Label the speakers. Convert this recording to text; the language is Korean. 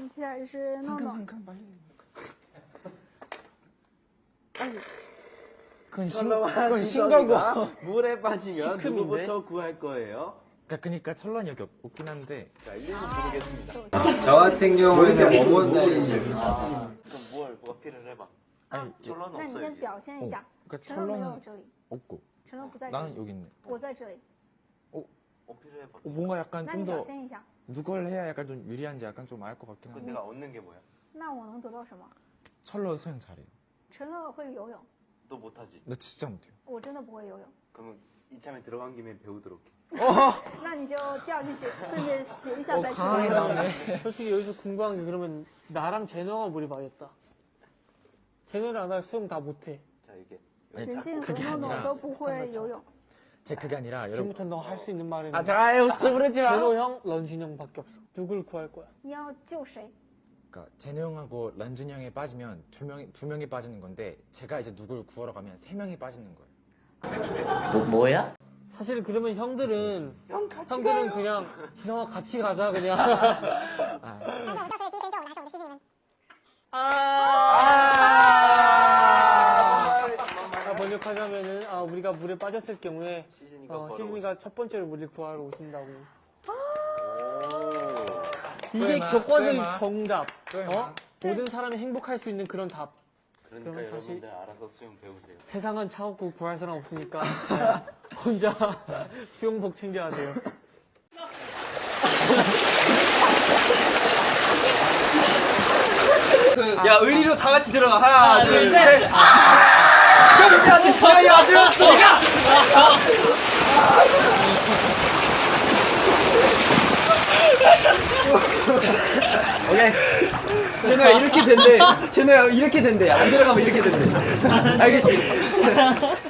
Speaker 1: 치还是诺诺？
Speaker 2: 그건 신거고.
Speaker 3: 물에 빠지면
Speaker 2: 시큼인데?
Speaker 3: 누구부터 구할 거예요?
Speaker 2: 그러니까 철런이 여기 없긴 한데.
Speaker 3: 자, 이름을 부르겠습니다.
Speaker 4: 저 같은 경우에는 모모다이.
Speaker 3: 그럼 뭐가 필요해봐.
Speaker 2: 아니,
Speaker 3: 철런
Speaker 1: 那你
Speaker 3: 없어
Speaker 1: 先
Speaker 3: 여기.
Speaker 1: 表现一下。
Speaker 2: 그러니까
Speaker 1: 陈乐没有
Speaker 2: 철런은
Speaker 1: 这里，
Speaker 2: 없고
Speaker 1: 陈乐不在这
Speaker 2: 나는
Speaker 1: 里，
Speaker 2: 여기 있네.
Speaker 1: 我在这里。
Speaker 3: 필요해봐.
Speaker 2: 뭔가 약간
Speaker 1: 那
Speaker 2: 좀
Speaker 1: 你表
Speaker 2: 더
Speaker 1: 现一下。
Speaker 2: 누굴 해야 약간 좀 유리한지 약간 좀 알 것 같긴
Speaker 3: 그
Speaker 2: 한데.
Speaker 3: 내가 얻는 게 뭐야?
Speaker 1: 那我能得到什么？
Speaker 2: 철러 수영 잘해요.
Speaker 1: 陈乐会游泳，
Speaker 3: 너 못하지?
Speaker 2: 나 진짜 못해요.
Speaker 1: 我真的不会游泳。
Speaker 3: 그러면 이참에 들어간 김에 배우도록 해.
Speaker 1: 那你就掉进去，顺便学一下再
Speaker 2: 강하게
Speaker 1: 去。
Speaker 2: 나오네.
Speaker 5: 솔직히 여기서 궁금한 게 그러면 나랑 제노가 물이 맞겠다. 제노랑 나 수영 다 못해.
Speaker 3: 자, 이게.
Speaker 1: 任静和
Speaker 2: 그게
Speaker 1: 诺诺
Speaker 2: 아니라
Speaker 1: 都不会游泳。
Speaker 2: 제 그게 아니라 여러분.
Speaker 5: 지금부터 너 할 수 있는 말은
Speaker 2: 아, 자요, 찌부르지 마.
Speaker 5: 제노 형, 런쥔 형밖에 없어. 누굴 구할 거야?
Speaker 1: 你要救谁？
Speaker 2: 그러니까 제노 형하고 런쥔 형이 빠지면 두 명이 빠지는 건데 제가 이제 누굴 구하러 가면 3명이 빠지는 거예요.
Speaker 4: 뭐야?
Speaker 5: 사실 그러면 형들은 그냥 지성아 같이 가자 그냥.
Speaker 2: 아,
Speaker 5: 번역하자면은 우리가 물에 빠졌을 경우에
Speaker 3: 시즌이가
Speaker 5: 시즌이가 첫 번째로 물을 구하러 오신다고.
Speaker 3: 오.
Speaker 5: 이게
Speaker 2: 마,
Speaker 5: 교과서의
Speaker 2: 마.
Speaker 5: 정답.
Speaker 2: 마.
Speaker 5: 모든 사람이 행복할 수 있는 그런 답.
Speaker 3: 그러니까
Speaker 5: 그러면 다시-
Speaker 3: 여러분들 알아서 수영 배우세요.
Speaker 5: 세상은 차갑고 구할 사람 없으니까 혼자 수영복 챙겨야 돼요.
Speaker 4: 야, 의리로 다 같이 들어가. 하나, 둘, 셋. 야, 들었어. 오케이. 제노야 이렇게 된대. 제노야 이렇게 된대. 안 들어가면 이렇게 된대. 알겠지?